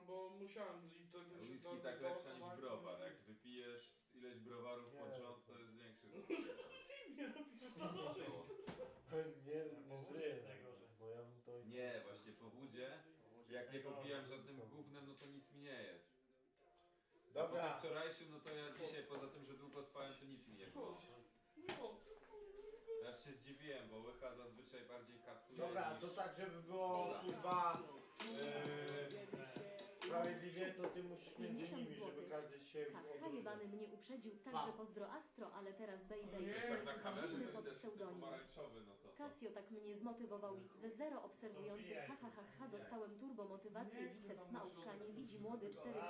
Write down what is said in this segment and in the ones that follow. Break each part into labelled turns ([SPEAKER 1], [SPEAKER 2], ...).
[SPEAKER 1] bo musiałem i to się
[SPEAKER 2] Whisky tak lepsza niż browar. Jak wypijesz ileś browarów pod rząd, to jest większy.
[SPEAKER 1] Nie napierdolę.
[SPEAKER 3] Nie,
[SPEAKER 4] Powód jest najgorzej.
[SPEAKER 3] bo ja bym to...
[SPEAKER 2] Nie, właśnie po wódzie, jak nie popijam żadnym gównem, no to nic mi nie jest.
[SPEAKER 3] Dobra.
[SPEAKER 2] Po wczorajszym, no to ja dzisiaj poza tym, że długo spałem, to nic mi nie było.
[SPEAKER 1] No.
[SPEAKER 2] Ja się zdziwiłem, bo łycha zazwyczaj bardziej kacuje
[SPEAKER 3] Dobra,
[SPEAKER 2] niż...
[SPEAKER 3] to tak, żeby było kurwa sprawiedliwie, to ty musisz między
[SPEAKER 5] 50
[SPEAKER 3] nimi, żeby
[SPEAKER 5] złotych.
[SPEAKER 3] każdy się
[SPEAKER 5] Ha, jebany mnie uprzedził, także pozdro Astro, ale teraz baby,
[SPEAKER 1] Nie,
[SPEAKER 5] jestem
[SPEAKER 2] Tak na kamerze
[SPEAKER 5] zimny
[SPEAKER 2] to
[SPEAKER 5] pod
[SPEAKER 2] widać, że jestem
[SPEAKER 5] pseudonim.
[SPEAKER 2] pomarańczowy, no to...
[SPEAKER 5] Casio tak mnie zmotywował i ze zero obserwujących ha dostałem turbo motywację biceps małpka nie widzi młody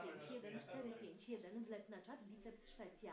[SPEAKER 5] 451 wlep na czat biceps Szwecja.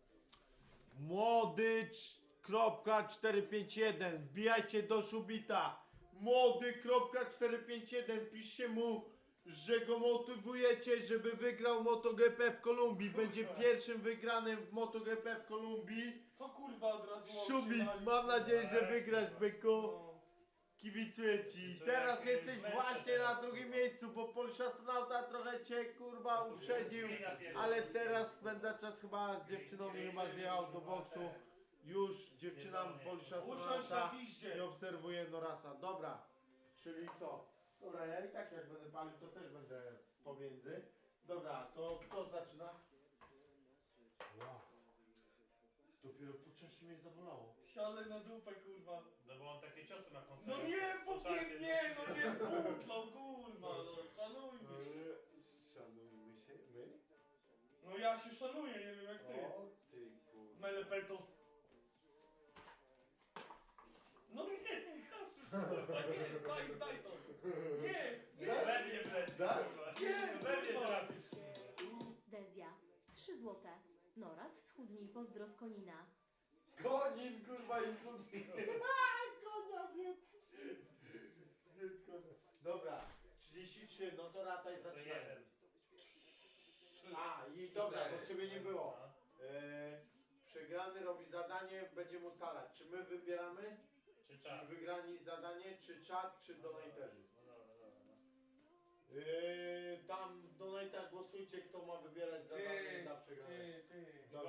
[SPEAKER 3] Młody.451, wbijajcie do Szubita. Młody.451, piszcie mu, że go motywujecie, żeby wygrał MotoGP w Kolumbii. Będzie pierwszym wygranym w MotoGP w Kolumbii.
[SPEAKER 1] Co kurwa od razu
[SPEAKER 3] Szubit, mam nadzieję, że wygrasz, byku. Kibicuję ci. Teraz jesteś właśnie na drugim miejscu, bo Polish Astronauta trochę cię kurwa uprzedził. Ale teraz spędza czas chyba z dziewczyną i chyba zjechał do boksu. Już dziewczyna Polish
[SPEAKER 1] Usiądź na
[SPEAKER 3] Astronauta
[SPEAKER 1] piździe.
[SPEAKER 3] nie obserwuje Norasa. Dobra, czyli co? Dobra, ja i tak jak będę palił, to też będę pomiędzy. Dobra, to kto zaczyna? Wow. Dopiero po czasie mnie zabolało.
[SPEAKER 1] Siadaj na dupę kurwa.
[SPEAKER 4] No bo on takie ciosy ma konserwę.
[SPEAKER 1] No nie, nie, no nie, butlą kurwa, no szanujmy się.
[SPEAKER 3] Szanujmy się, my?
[SPEAKER 1] No ja się szanuję, nie wiem jak ty.
[SPEAKER 3] O ty kurwa.
[SPEAKER 1] Melepeto. No nie, Kasiu, kurwa, nie, daj to. Nie, nie.
[SPEAKER 4] We mnie wleć,
[SPEAKER 3] Dać?
[SPEAKER 4] kurwa.
[SPEAKER 1] Nie,
[SPEAKER 4] We mnie
[SPEAKER 1] kurwa.
[SPEAKER 4] trafisz.
[SPEAKER 5] Dezja 3 złote. Noraz schudnij pozdro z Konina.
[SPEAKER 3] Konin kurwa i schudnie. Konia zjedz. Zjedz konia. Dobra, 33, no to rataj
[SPEAKER 4] To
[SPEAKER 3] zaczynamy.
[SPEAKER 4] jeden.
[SPEAKER 3] A i dobra, bo ciebie nie było.
[SPEAKER 4] No.
[SPEAKER 3] Przegrany robi zadanie, będziemy ustalać, czy my wybieramy,
[SPEAKER 4] Czy czas?
[SPEAKER 3] wygrani zadanie, czy czat, czy donatorzy.
[SPEAKER 4] No dobra, dobra. No.
[SPEAKER 3] Tam w donatach głosujcie, kto ma wybierać zadanie dla przegranej.
[SPEAKER 1] Ty.
[SPEAKER 3] Dobra.